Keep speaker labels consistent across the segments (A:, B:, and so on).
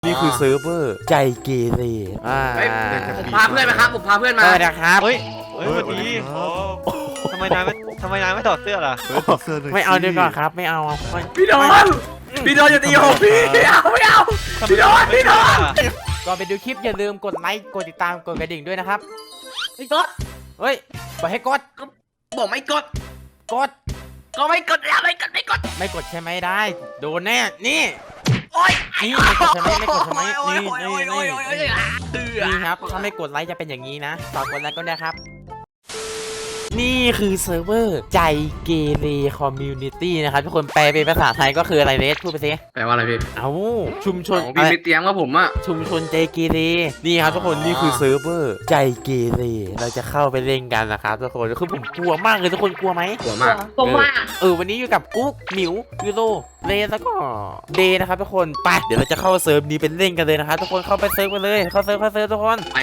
A: นี่คือเซิร์ฟเวอร์ใจเกเร
B: ผมพาเพื่อนมาครับผมพาเพื่อนมา
A: นะครับ
C: เฮ้ยวันนี้ทำไมนายไม่ถอดเสื้อล่ะ
A: ไม่เอาดีกว่าครับไม่เอา
B: พี่โดนอย่าตีผมพี่ไม่เอาพี่โดน
A: ก่อนไปดูคลิปอย่าลืมกดไลค์กดติดตามกดกระดิ่งด้วยนะครับ
B: ไม่กด
A: เฮ้ยบอกให้กด
B: บอกไม่กดก็ไม่กดแล้วไม่กด
A: ใช่ไหมได้โดนแน่นี่
B: โอ๊ย
A: นี่ไม่กดใช่ไหมนี่ครับถ้าไม่กดไลค์จะเป็นอย่างนี้นะฝากกดไลค์ก็ได้ครับนี่คือเซิร์ฟเวอร์ใจเกเรคอมมูนิตี้นะครับทุกคนแปลเป็นภาษาไทยก็คืออะไรเรสพูดไปสิ
B: แปลว่าอะไรพี่
A: ชุมชน
B: พี่ไม่เตรียมว่าผมอะ
A: ชุมชนใจเกเรนี่ครับทุกคนนี่คือเซิร์ฟเวอร์ใจเกเรเราจะเข้าไปเล่นกันนะครับทุกคนคือผมกลัวมากเลยทุกคนกลัวไหม
B: กลัวมาก
A: วันนี้อยู่กับกุ๊กหมิวยูโรเลแล้วก็เดนะครับทุกคนไปเดี๋ยวเราจะเข้าเซิร์ฟนี้เป็นเล่นกันเลยนะครับทุกคนเข้าไปเซิร์ฟกันเลยเข้าเซิร์ฟทุกคน
B: ไป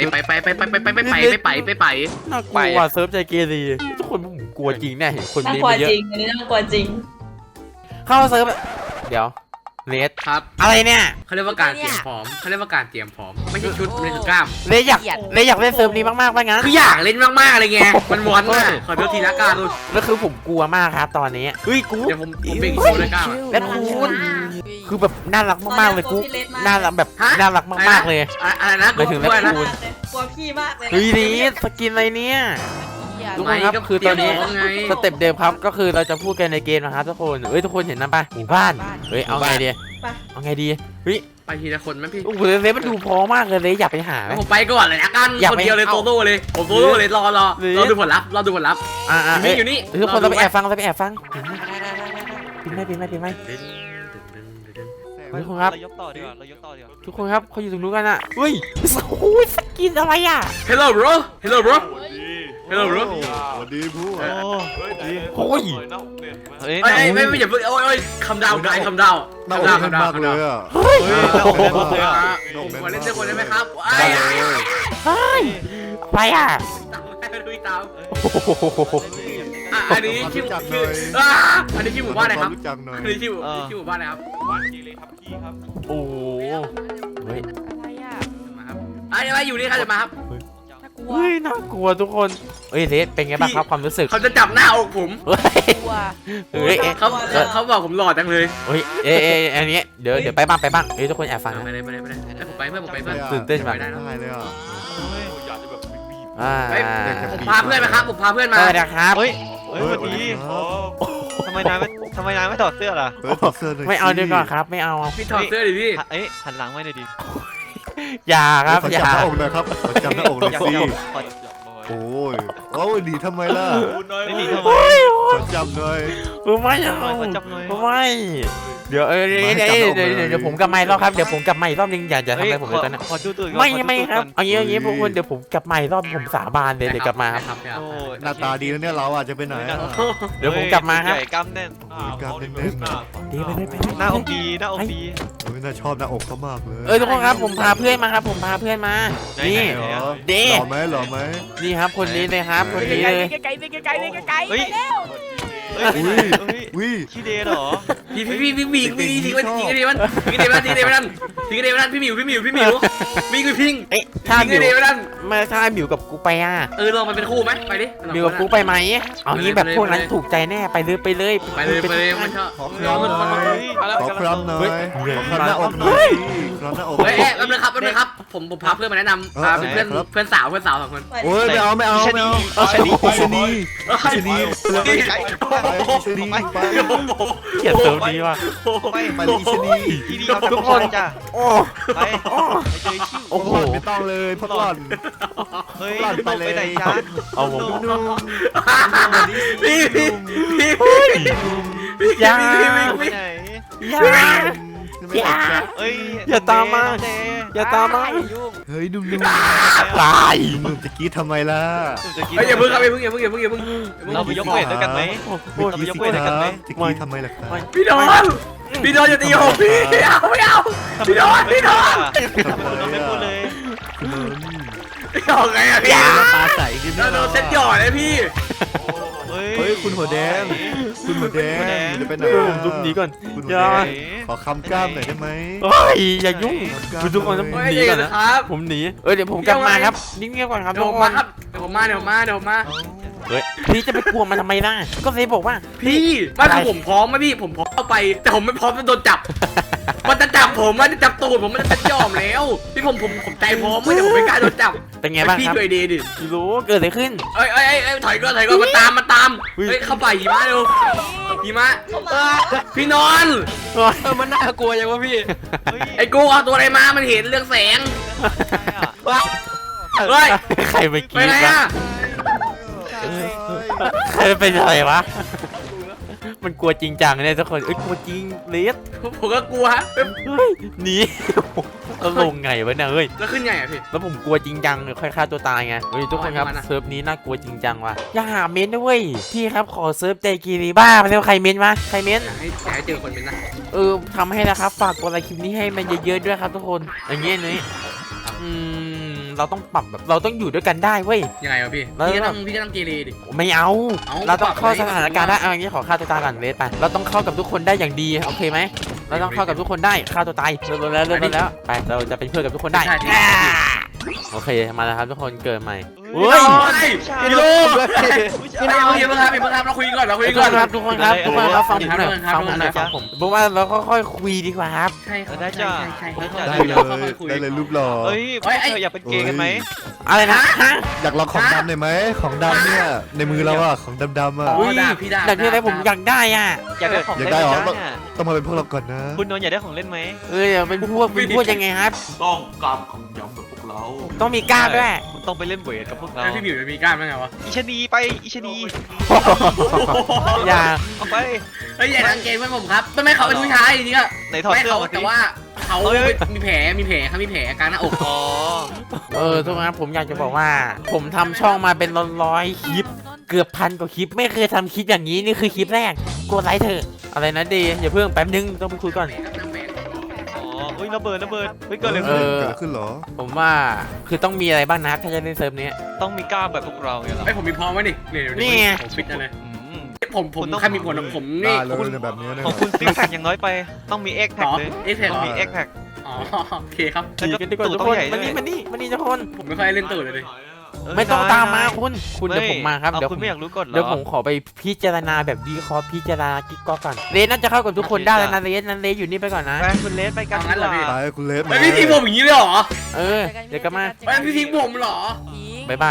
A: น่ากลัวเซิร์ฟใจเกเรทุกคนผมกลัวจริงแน่เห็นคนนี้มาเยอะ
D: อันนี้น่ากลัวจริง
A: เข้าเซิร์ฟเดี๋ยวเลส
B: ครับ
A: อะไรเนี่ย
B: เขาเรียกว่าการเตรียมพร้อมไม่ใช่ชุดไม่ใช่กล้าม
A: เลสอยากเล่นเซิร์ฟนี้มากๆว่างั้น
B: คืออยากเล่นมากๆอะไรเงี้ยมันวนมากขอโทษทีละกัน
A: แล้วคือผมกลัวมากครับตอนนี้เฮ้ยกู
B: เดี๋ยวผมเป็นโชว์เลยก้าว
A: และคุณคือแบบน่ารักมากๆเลยกูน่ารักแบบน่ารักมากๆเลย
B: อะไรนะ
A: ไปถึงแล้วคุณ
D: กลัวพี่มากเลย
A: เฮ้ยนี่สกินอะไรเนี่ยทุกคนครับคือตอนนี้สเต็ปเดิมครับก็คือเราจะพูดกันในเกมนะครับทุกคนทุกคนเห็นนะป่ะหมู่บ้านเอาไงดีเฮ้ย
B: ไปทีละคนไหมพี่
A: โอ้โหเลมันดูพอมากเลยอยากไปหาไหม
B: ผมไปก่อนเลยละกันคนเดียวเลยโซโล่เลยผมโซโล่เลยรอดูผลลัพธ์อยู่นี่
A: ทุกคนเราไปแอบฟังปิดไม่ทุกคนครับ
C: เรายกต่อดีกว่า
A: ทุกคนครับเขาอยู่ตรงนู้นกันอ่ะเฮ้ยโอ้ยสกินอะไรอ่ะ
B: Hello bro
E: สวัสดีผู้
A: โอ้ย
B: ไม่อย่าเพิ่งโอ้ยคำดาวมาก
E: เลยอ่ะ
B: ผมเล่นด้วยคนได้ไหมครับ
A: ไปอ่ะ
B: อันนี้ชื่อหมู่บ้านอะไรครับอันนี้ชื่อหมู่บ้านอะไรครับ
E: บ้านกีเลยทับกี้ครับ
A: โอ้เฮ้ย
B: อะไรอยู่นี่ใครจะมาครับ
A: เฮ้ยน่ากลัวทุกคนเรสเป็นไงบ้างครับความรู้สึก
B: เขาจะจับหน้าอกผมเขาบอกผมหล่อจังเลย
A: อันนี้เดี๋ยวไปบ้างทุกคนแอบฟัง
B: ไปเลยผมไปเพื่อน
A: ตื่นเต้นมาก
E: เลยอ่ะ
B: ผมพาเพื่อนมาครับผมพาเพื่อนมา
A: นะครับ
C: วันนี้ทำไมนายไม่ถอดเสื้อล่ะ
A: ไม่เอาดีกว่าครับไม่เอา
B: พี่ถอดเสื้อดิพี่
C: หันหลังไว้หน่อยดิ
A: อย่าครับ
E: อย่าจับหน้าอกนะครับจับหน้าอกหน่อยสิโอ้ยดีทำไมล่ะ
C: ไม่ดีทำไม
E: จับหน่อย
A: ไม่เดี๋ยวผมกลับมารอบครับเดี๋ยวผมกลับมาอีกรอบนึงอย่าทำอะไรผมเลยตอนนี้ไม่ครับเอางี้พวกคุณเดี๋ยวผมกลับมาอีกรอบผมสาบานเลยเดี๋ยวกลับมาครับ
E: หน้าตาดีแล้วเนี่ยเราอาจจะไปไหน
A: เดี๋ยวผมกลับมาครับ
C: กล้ามแน่น
A: ดีไป
C: หน้าอกดี
E: น่าชอบหน้าอกเขามากเลย
A: ทุกคนครับผมพาเพื่อนมาครับนี่เด้
E: หล่อไหม
A: นี่ครับคนนี้เลยครับคนนี้เลย
C: ขี้เดเหรอ
B: พี่ทิ้งกันดีมันพี่หมิววิ่งไปพิง
A: ถ้าหมิวกับกูไป
B: ลองมันเป็นคู่ไหมไปดิ
A: หมิวกับกูไปไหมเอางี้แบบพวกนั้นถูกใจแน่ไปเลย
B: มันชอบ
E: ขอครำหน่อยขอหน้าอกหน่อย
B: แป๊บนึงครับผมพาเพื่อนมาแนะนำเป็นเพื่อนสาว2 คน
E: โอ้ยไม่เอาชนี
A: เกลียดเซิร์ฟนี้ว่ะ
E: ไปเลยชนี
A: ทุกคนจ้ะ
E: โอ้โหไม่ต้องเลยพักหล่อน
C: ไปเลยไหนจ้า
A: เอาผมอย่าตามมา
E: เฮ้ยนุ่ม
A: ตาย
E: จะกี้ทำไมล่ะ
B: อย่าเพิ่งครับ
C: เราไปยกเวทด้วยกันไหม
E: จะกี้ทำไมล่ะครับ
B: พี่โดนอย่าตีผมพี่ไม่เอาพี่โดน
C: ไม่พูดเลย
B: ออกไงพี่
E: ตาใสขึ้น
B: โดนเซ็ตหย่อเลยพี่
E: ฮ้ยคุณหัวแดงคุณหัวแดงจะเป็นไหน
A: ผมซุปหนีก่อน
E: คุณหั
A: อย่า
E: วแดงขอคำกล้ามหน่อยได้ไหม
A: เฮ้ยอย่ายุ่งคุณทุกคนต้องผมหนีก่อนนะ
B: ครับ
A: ผมหนีเดี๋ยวผมกลับมาครับนิ่งๆก่อนครับ
B: เดี๋
A: ทุ
B: ยว
A: ก
B: ผม
A: ค
B: มาน ครับเดี๋ยวผมมา
A: เฮ้ยพี่จะไปกลัวมันทำไมล่ะก็เลยบอกว่า
B: พี่ไม่คือผมพร้อมไหมพี่ผมพร้อมเข้าไป แต่ผมไม่พร้อมจะโดนจับ มันจะจับผมมันจะจับตูดผมมันจะยอมแล้วพี่ผมใจพร้อมไม่แต่ผมไม่กล้าโดนจับ
A: เป็นไงบ้าง
B: พี่
A: ครับ
B: ช่วยดีดิ
A: รู้เกิดอะไรขึ้น
B: เอ้ยถอยก่อนมาตาม
A: อุ๊ย
B: เฮ้ยเข้าป่าหิมะเร็วหิมะพี่นอน
C: มันน่ากลัวยังวะพี่
B: ไอ้กูเอาตัวอะไรมามันเห็นเรื่องแสงเฮ้ย
A: ใครไปกิ
B: ไป
A: น
B: ไหน
A: วะ
B: อะ
A: ใครเป็นอะไรวะมันกลัวจริงจังเนี่ยทุกคนกลัวจริงเลส
B: ผมก็กลัว
A: เฮ้ยหนีแล้วลงไงวะเนี่ยเฮ้ย
B: แล้วขึ้นไงอะพี่
A: แล้วผมกลัวจริงจังเลยค่อยฆ่าตัวตายไงเฮ้ยทุกคนครับ
B: เอาอันนี้มานะ
A: เซิร์ฟนี้น่ากลัวจริงจังว่ะอย่าหาเม้นต์นะเว้ยพี่ครับขอเซิร์ฟใจกีรีบ้าไปแล้วใครเม้นต์วะใครเม้นต์
B: ให้เจอคนเป็นนะ
A: ทำให้นะครับฝากกดไลค์คลิปนี้ให้มันเยอะๆด้วยครับทุกคนอย่างเงี้ยนี่เราต้องปรับแบบเราต้องอยู่ด้วยกันได้เว้ย
B: ยังไงวะพี่
A: แล้ว
B: พี่จะต้องเกเรดิ
A: ไม่เอา
B: เอา
A: เราต้องเข้า
B: ปรับ
A: สถานการณ์ได้เอาอย่างนี้ขอฆ่าตัวตายก่อนเลสไปเราต้องเข้ากับทุกคนได้อย่างดีโอเคไหมเราต้องเข้ากับทุกคนได้ฆ่าตัวตายเริ่มแล้วไปเราจะเป็นเพื่อนกับทุกคนได้
B: ใช่
A: โอเคมาแล้วครับทุกคนเกิดใหม่
B: เฮ้ยพี่ลูกพี่ลูกอย่าเพิ่งครับเราคุยก่อน
A: ทุกคนครับทุกคนครับฟังผมหน่อย
B: ครับ
A: ฟังผมหน่อยฟังผมบอกว่าเราค่อยๆคุยดีกว่าครับ
B: ใช่ครับ
C: ได้จ้ะ
B: ใช่
E: ได้เลยรูปหล่อ
C: เฮ้ยอยากเป็นเกย์กันไหม
A: อะไรนะฮะ
E: อยากลองของดำหน่อยไหมของดำเนี่ยในมือเราอะของดำๆอะ
A: อุ้ยแต่ที่อะไรผมอยากได้อ่ะ
C: อยากได้ของ
E: อยาก
C: เล่น
E: ได้เหรอ
C: ไหมเนี่ย
E: ต้องมาเป็นพวกเราก่อนนะ
C: คุณนนท์อยากได้ของเล่นไหม
A: เป็นพวกยังไงครับ
F: ต้องกล้ามของยำแบบพวกเรา
A: ต้องมีกล้ามด้วย
C: คุณต้องไปเล่นเวทกับพวกเรา
B: พี่บิวจะมีกล้ามยังไงวะ
C: อิชนีไปอิชนี
A: อย่า
C: เอาไป
B: เฮ้ยอย่าทางเกมเพื่อนผมครับต้องไม่เขาเป็นผู้ชายจริงๆอะ
C: ไหนถอด
B: ไม่
C: เสื้อ
B: เขา
C: มาสิ
B: แต่ว่าเขามีแผลเขามีแผลกลางหน้าอก
C: อ๋อ
A: ทุกคนครับผมอยากจะบอกว่า ผมทำช่องมาเป็นร้อยคลิป เกือบพันกว่าคลิปไม่เคยทำคลิปอย่างนี้นี่คือคลิปแรกกดไลค์เถอะอะไรนะดีอย่าเพิ่งแป๊บนึงต้องไปคุยก่อน
C: อ๋ออุ้ยระเบิดเฮ้ยเกิดอะไร
A: เอ
C: ขึ้น
A: อ
E: เกิดอะไรขึ้นเหรอ
A: ผมว่าคือต้องมีอะไรบ้างนะถ้าจะเล่นเซิร์ฟนี้
C: ต้องมีกล้ามแบบพวกเราไงล่ะ
B: ไอผมมีพร้อมไว้ดินี่ไงผมฟิตอะไร
C: อืม
B: ผมใครมีผลผมนี่
E: ได้เลยแบบนี้นะ
C: ของคุณซิกแพคอย่างน้อยไปต้องมีเอ็กแพคเลย
B: เอ็กแพค
C: ต้องมีเอ็กแพค
B: อ๋อโอเคครับ
A: ขี่กันดีกว่าทุกคนมานี่ทุกคน
B: ผมไม่ค่อยเล่นตูดเลยดิ
A: ไม่ต้องตามมาคุณเดี๋ยวผมมาครับ
C: เดี๋
A: เดี๋
C: ย
A: ยว ว
C: คุณไม่อยากรู้ก่อนเหรอ
A: เดี๋ยวผมขอไปพิจารณาแบบวิเคราะห์พิจารณากิ๊กก๊อกก่อนเรสน่าจะเข้ากับทุกคนได้แล้วนะเรสนั้นเรสอยู่นี่ไปก่อนนะ
C: ไปคุณเลสไปกันดีกว่า
E: ไปคุณเลส
B: ไอพี่ทิ้งผมอย่างนี้เลยเหรอ
A: เดี๋ยวกลับมา
B: ไอพี่ทิ้งผมเหรอ
A: บ๊ายบาย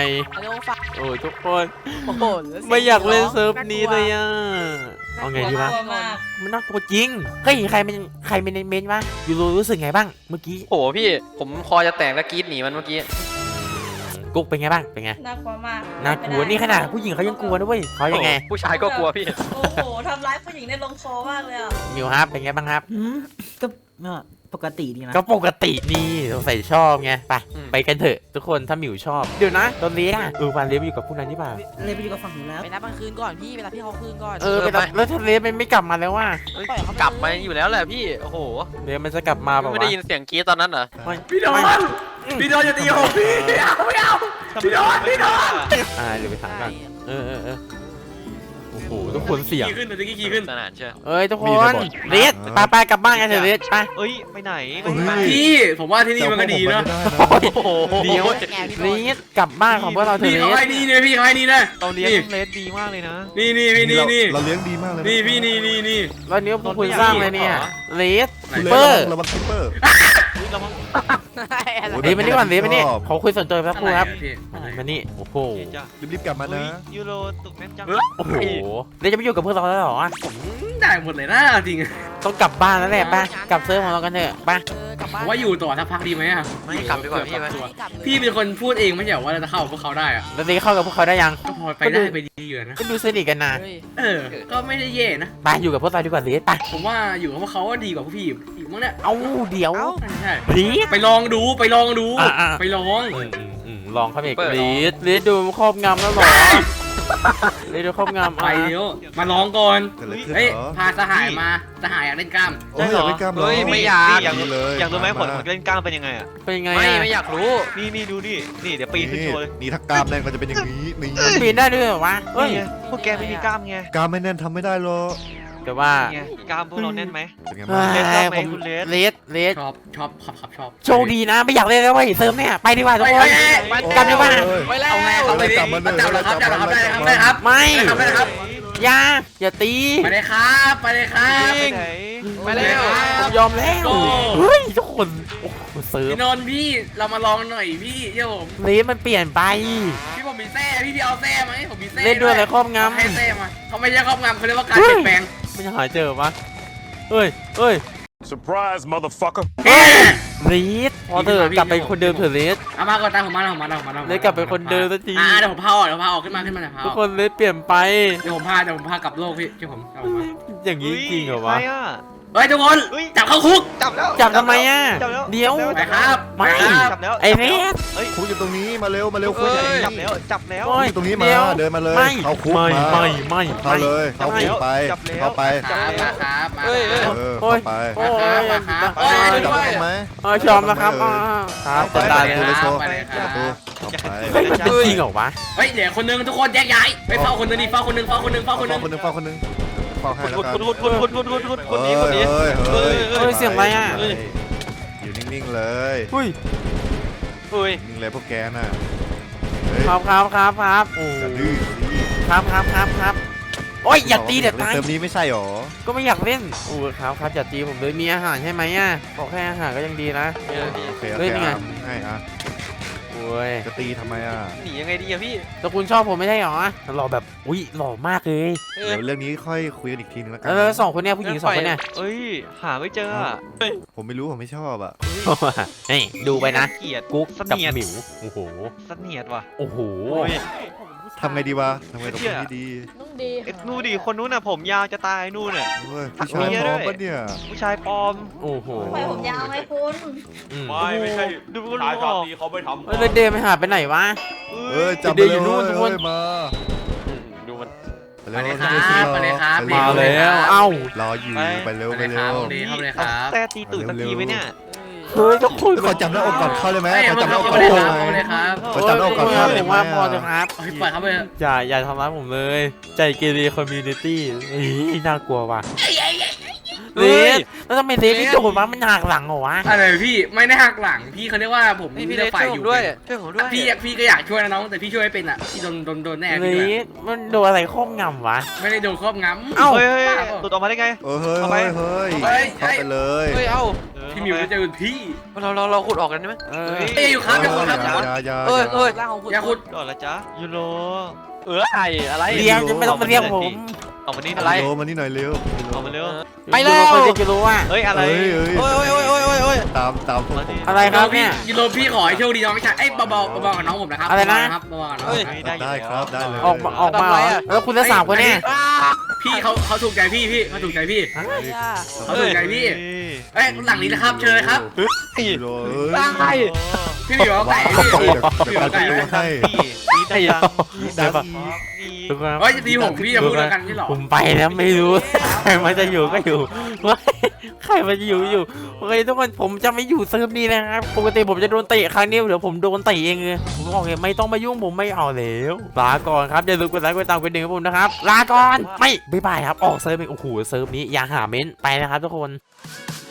G: เร็วฝาก
A: โอ้ยทุกคน
G: โอ้โห
A: ไม่อยากเล่นเซิร์ฟนี้เลยอ่ะเอาไงดีวะ
D: กลัวมาก
A: มันน่ากลัวจริงเฮ้ยใครเป็นเมนวะยูโรรู้สึกไงบ้างเมื่อกี้
H: โอ้โหพี่ผมคอจะแตกแล้วกรีดหนีมันเมื่อกี้
A: กุ๊กเป็นไงบ้างเป็นไง
D: น่ากลัวมาก
A: น่ากลัวนี่ขนาดผู้หญิงเขายังกลัวนะเว้ยเขายังไง
H: โอ้โหผู้ชายก็กลัวพี่
D: โอ้โหทำร้ายผู้หญิงได้ลงคอมากเลยอ่ะ
A: มิวครับเป็นไงบ้างครับ
G: ก็ปกติดีนะ
A: ก็ปกตินี่สงสัยชอบไงไป
H: อืม
A: ไปกันเถอะทุกคนถ้าหมิวชอบเดี๋ยวนะตอนนี้วันเลี้ยอยู่กับพวกนั้นที่ป่า
G: เลยไปอยู่กับฝั่งนู้นแล้ว
I: ไปนับกลางคืนก่อนพี่เวลาพี่เขาคืนก่อน
A: ไปรับแล้วทะเลมันไม่กลับมาแล้วว่า
H: เฮ้ยกลับมาอยู่แล้วแหละพี่โอ้โห
A: เดี๋ยวมันจะกลับมาแบบ
H: ไม่
A: ว่า
H: ได้ยินเสียงกรีดตอนนั้นเหรอ
B: พี่โดนอย่าตีผมพี่ไม่เอาพี่โดน
A: เดี๋ยวไปถามกันโอ้โหทุกคนเสียง
B: ขี่ขึ้นเดี๋ยวจะขี่ขึ้น
H: สนานเชียว
A: เอ้ยทุกคนเรสไปกลับบ้านกันเถอะเรสไป
C: เอ้ยไปไหน
B: พี่ผมว่าที่นี่มันก็ดีเนาะ
C: โอ้โห
A: เดี๋ยวเรสกลับบ้านของพวกเราเถ
B: พี่
A: อะ
B: เขา
A: เร
B: ให้
A: ส
B: นี่เนี่ยพี่เขาให้นี่นะ
C: เราเลี้ยงเลสดีมากเลยนะ
B: นี่พี่นี่
E: เราเลี้ยงดีมากเลย
B: นี่พี่นี่
A: แล้วนี้พวกคุณสร้างเลยเนี่ยเรส
E: คุณเล
A: เปอร์
E: สระวังคิปเปอร์
C: ระวัง
A: เรสมานี่ก่อนเรสมานี่เขาคุยส่วนตัวแป๊บนึงครับ
B: พี่
A: มานี่โอ้โห
C: จ้ะ
E: รีบๆกลับมานะ
C: ยูโรตุกแม่นจัง
A: โอ้โหเรสจะไปอยู่กับพวกเราแล้วเหรอ
B: ได้หมดเลยนะจริง
A: ต้องกลับบ้านแล้วแหละไปกลับเซิร์ฟของเรากันเถอะไป
I: กลับบ้าน
B: ว่าอยู่ต่อสักพักดีไหมอ่ะ
H: ไม่กลับดีกว่าพี่ไหม
B: พี่เป็นคนพูดเองไม่ใช่ว่าเราจะเข้าพวกเขาได้อะ
A: แล้วเรสเข้ากับพวกเขาได้ยัง
B: ก็พอไปได้ไปดีอยู่นะ
A: ก็ดูสนิทกันนะ
I: เฮ้ย
B: ก็ไม่ได้แย่นะ
A: ไปอยู่กับพวกเราดีกว่าเรสไป
B: ผมว่าอยู่กับพวกเขาดีกว่าพวกพี่อีกมั้งเนี่ย
A: เอาเดี๋ยว
B: ใช่
A: เรส
B: ไปลองดูไปลองดู
A: อ่ะ
B: ไปลอง
A: ลองเข้าไปอีกเรสดูครอบงำแล้วเหรอเลสโดนครอบงำ
B: ไปเดี๋ยวมาลองก่อน
E: เกิดอะไรขึ้น
B: เฮ้ย
E: เหรอ
B: พาสหายมาสหายอยากเล่นกล้าม
E: โอ้ยอยากเล่นกล้ามเหรอ
H: เฮ้ยไม่อยาก
C: นี่อยาก
E: ดี
C: รู้
E: เลย
C: อยากรู้ไหมผล
E: มา
C: ของเล่นกล้ามเป็นยังไงอ่ะ
A: เป็นยังไง
H: ไม่อยากรู้
C: นี่ดูนี่เดี๋ยวปีนขึ้นโชว์เลย
E: นี่ถ้ากล้ามแน่นก็จะเป็นอย่างนี้นี่
A: ปีนได้ด้วยเหรอวะเฮ้ย
C: นี่ไงพวกแกไม่มีกล้ามไง
E: กล้ามไม่แน่นทำไม่ได้หรอก
A: แต่ว่า
C: นี่ไงกล้ามพวกเราแน่นไหม
E: เป็นไง
A: เฮ้
E: บ้าง
C: เลสชอบไหม
A: ผม
C: คุณเลส
A: เลส
B: ชอบชอบ
A: โชคดีนะไม่อยากเล่นแล้วเว้ยเซิร์ฟเนี่ยไปดีกว่าทุกคน กลับดีกว่า
H: ไปแล้ว
B: เอาไงเอาไปดิ
E: กลับมาเลย
B: จับเหรอครับจับเหรอครับได้ครับได้ครับ
A: ไม่
B: ได้ครับได้ครับ
A: อย่าตี
B: ไปเลยครับไปเลยครับ
C: ไปไหน
H: ไปแล้ว
A: ผมยอมแล้วเฮ้ยทุกคนโอ้โหเซิร์ฟ
B: พี่นนท์พี่เรามาลองหน่อยพี่เดี๋ยวผม
A: เลสมันเปลี่ยนไป
B: พี่ผมมีแซ่พี่เอาแซ่ไหมผมมีแซ่
A: เล่นด้วยอะไรครอบง
B: ให้แซ่มาเขาไม่ใช่ครอบงำเขาเรียกว่าการเปลี่ยนแปลง
A: ำไม่หาเจอปะเฮ้ย
F: surprise motherfucker
A: ลีดพอเถอะกลับไปคนเดิมเถอะเลส
B: เอามาก่อนตามผมมาผมมา
A: เลสกลับไปคนเดิมสักที
B: เดี๋ยวผมพาออกขึ้นมาเดี๋ยวพา
A: ทุกคนเลสเปลี่ยนไป
B: เดี๋ยวผมพากลับโลกพี่เดี๋ยวผมเอามา
A: อย่างนี้จริงเหรอวะ
C: ใคอ่ะ
B: เฮ้ยทุกคน
C: เฮ้ย
B: จับเข้าคุก
C: จับแล้ว
A: จับทำไมอ่ะ
C: จับแล้ว
A: เดี๋ยว
B: ไปครับ
A: ไม่
B: ไปครับ
C: จับแล้ว
A: ไอ้เลส
C: เฮ้ย
E: คุกอยู่ตรงนี้มาเร็วคุกอยู่ตรงนี้
C: จับแล้วจับแล้ว
A: โอ้
E: อยู่ตรงนี้มา
A: ดี๋ว
E: เดินมาเลย
A: ไม่
E: เข้าคุก
A: ไม่
E: มา
A: ไม่
E: เข้าเลยเข้าคุกไป
C: จับแล้ว
E: เข้าไป
B: ครับมาครับมา
H: เฮ้ย
B: ครับ
E: เออเข้าไป
A: โอ้ย
B: มาครับ
A: โอ้ย
E: จับได้ไหม
A: ชอมแล้วครับครับ
E: ไป
A: จะตาย
E: ไป
A: แล้ว
E: เลยโชว์
B: ไปเลยค
E: ป
B: รับ
E: ระตูเข้าไป
A: เฮ้ยมันจริงเหรอวะ
B: เฮ้ยเดี๋ยวคนนึงทุกคนแยกย้ายไปเฝ้าคนนึงดิเฝ้าคนนึง
E: เฝ้าคนหนึงเฝ้าคนหนึงเฝ้าให้แล้ว
C: คุณ
E: กัน
C: คนนี้คนนี้
E: เฮ้ย
A: เฮ้ยเสียงอะไรอ่ะ
E: อยู่นิ่งๆเลย
A: อุ้ย
C: อุ้ย
E: นิ่งเลยพวกแกน่ะเฮ้ย
A: ครับโอ้
E: อย่าดื้อสิ
A: ครับโอ้ยอย่าตีเดี๋ยวตาย
E: เติมนี้ไม่ใช่หรอ
A: ก็ไม่อยากเล่นโอ้ครับอย่าตีผมเลยมีอาหารใช่ไหมอ่ะบอกแค่อาหารก็ยังดีนะ
E: โอเค
A: เฮ้ยนี่ไง
E: ให้อ่ะ
A: โอ้ย
E: จะตีทำไมอ่ะ
H: หนียังไงดีอะพี่
A: แต่คุณชอบผมไม่ใช่หรอหล่อแบบอุ้ยหล่อมากเลย
H: เออ
E: เดี๋ยวเรื่องนี้ค่อยคุยกันอีกทีนึงแล้วกั
A: แล้วสองคนเนี้ยผู้หญิงสองคนเนี้ย
C: เอ้ยหาไม่เจออ่ะ
E: ผมไม่รู้ผมไม่ชอบอ่ะ
A: นี่ดูไปนะ
C: เกลียด
A: กุ๊ก
C: เส
A: กับ
C: นียด
A: หมิวโอ้โห
C: เสนียดว่ะ
A: โอ้โห
C: โอ้ย
E: ทำไงดีวะทำไงกับคนที่ดี
D: ต้องดี
C: เอ็ดนู่นดิคนนู้นน่ะผมยาวจะตายนู่นน่ะ
E: เฮ้ยผู้ชายพร้อมปะเนี่ย
C: ผู้ชายปลอม
A: โอ้โห
D: ไปผมยาวไหมคุณ
A: อืม
F: ไม่ใช่
C: ดูก็
F: ชาย
C: รู้
F: ชา
C: อ
F: ติ
C: อก
F: นี้เขาไม่ทำ
A: เฮ้ยแล้วเดย์ไม่หาไปไหนวะ
E: เอ้ยจับ
A: เดี๋ยวอยู่นู่นทุกคน
E: เอ้ยมา
H: ดูมัน
E: ไป
B: ไปเลยครับ
E: เร็ว
B: ไปเลยครับ
A: มาแล้วเอ้าร
E: ออยู่ไปเร็ว
B: ไป
E: ไป
B: เลยค
E: เร็
B: รับ
E: ว
B: ดีเข้าไปเลยค
C: เอา
B: รับ
C: แต้ตีตูดสักทีไหมเนี่ย
A: เฮ้ยทุกคน
E: ขอจับหน้าอกก่อนเข้าเลยไหม
B: เฮ้ย
E: ขอจับหน้าอก
B: เข้า
E: ก่อน
B: ไปเลย
E: เข้า
B: ครับ
E: เลย
B: เข้าไปเลยครับ
E: ขอจับหน้าอกก่อนเข้าเลย
A: ผมว่าพอจะครับ
B: เฮ้ยปล่อยเข้าไปเลย
A: อย่าทำร้ายผมเลย ใจเกเรคอมมูนิตี้น่ากลัวว่ะเลสแล้วทำไมเลสไม่โดนวะมันหักหลังเหรอวะ
B: อะไรพี่ไม่ได้หักหลังพี่เขาเรียกว่าผม
H: พี่
B: เลื
H: เล
B: อก
H: ส
B: ฝ่าย
H: ช่วย
B: อ
H: ผม
B: ยู่
H: ด้วยช่วยผมด้วย
B: พี่ก็อยากช่วยนะน้องแต่พี่ช่วยไม่เป็นอ่ะพี่โดนแน่
A: เล
B: พี่ด้วย
A: สมันโดนอะไรครอบงำวะ
B: ไม่ได้โดนครอบงำ
A: เอ้า
C: เฮ้ยตูดออกมาได้ไง
E: เฮ้ย
C: เอาไป
E: เฮ้ยเข้าไปเลย
H: เฮ้ยเอ้า
B: พี่มิวจะเจอพี่
H: เราขุดออกกันได้ไหม
A: เออ
B: เอ้ยอยู่ครับอย่าขุดครับอย่าขุด
E: อย่า
H: เอ้ยเอ้ย
I: ร่างของคุณ
B: อย่าขุด
C: ดอดละจ๊ะยูโร
H: ไอ้อะไร
A: เรียงจะไม่ต้องมาเรียกผม
C: ออกมานี่
H: อะไร
E: โลมานี่หน่อยเร็ว
C: ออกมาเร็ว
H: ไปแล้ว
A: คนจะรู้ว่า
C: เฮ้ยอะไร
E: เฮ้ย
H: โอ้ยโอ้ย
E: ตามพวกผม
A: อะไรครับเนี่ย
B: ยูโรพี่ขอให้โชคดีน้องไม่ใช่ไอ้เบากับน้องผมนะครับ
A: อะไรนะ
B: ครับเบาๆกับน้อง
H: เฮ้ย
B: ครับ
E: ได้ครับได้เลย
A: ออกมาเหรอแล้วคุณจะสามคนเนี่ย
B: พี่เขาถูกใจพี่เขาถูกใจพี่
I: อะไรอ่ะ
B: เขาถูกใจพี่เอ้ยหลังนี้นะครับเชิญเลยครับ
E: โล
H: ตาย
B: พี่หมิวเอาไก่พี่
E: เดี๋ยว
B: พี่หมิวเอาไก่
E: ดู
B: ไหม
E: ให้
C: นี่ได้ยัง
E: ดัง
C: นี่
A: ทุกคน
B: เฮ้ยจะตีผมพี่จะพูดแล้วกันพี่หรอ
A: ผมไปแล้วไม่รู้ ใครมันจะอยู่ก็อยู่ใครมันจะอยู่โอเคทุกคนผมจะไม่อยู่เซิร์ฟนี้นะครับปกติผมจะโดนเตะครั้งนี้เดี๋ยวผมโดนเตะเองเลยผมบอกเลยไม่ต้องมายุ่งผมไม่เอาแล้วลาก่อนครับอย่าลืมกดไลค์กดติดตามกดดิ่งให้ผมนะครับลาก่อนไม่บ๊ายบายครับออกเซิร์ฟเองโอ้โหเซิร์ฟนี้อย่าหาเม้นไปนะครับทุกคน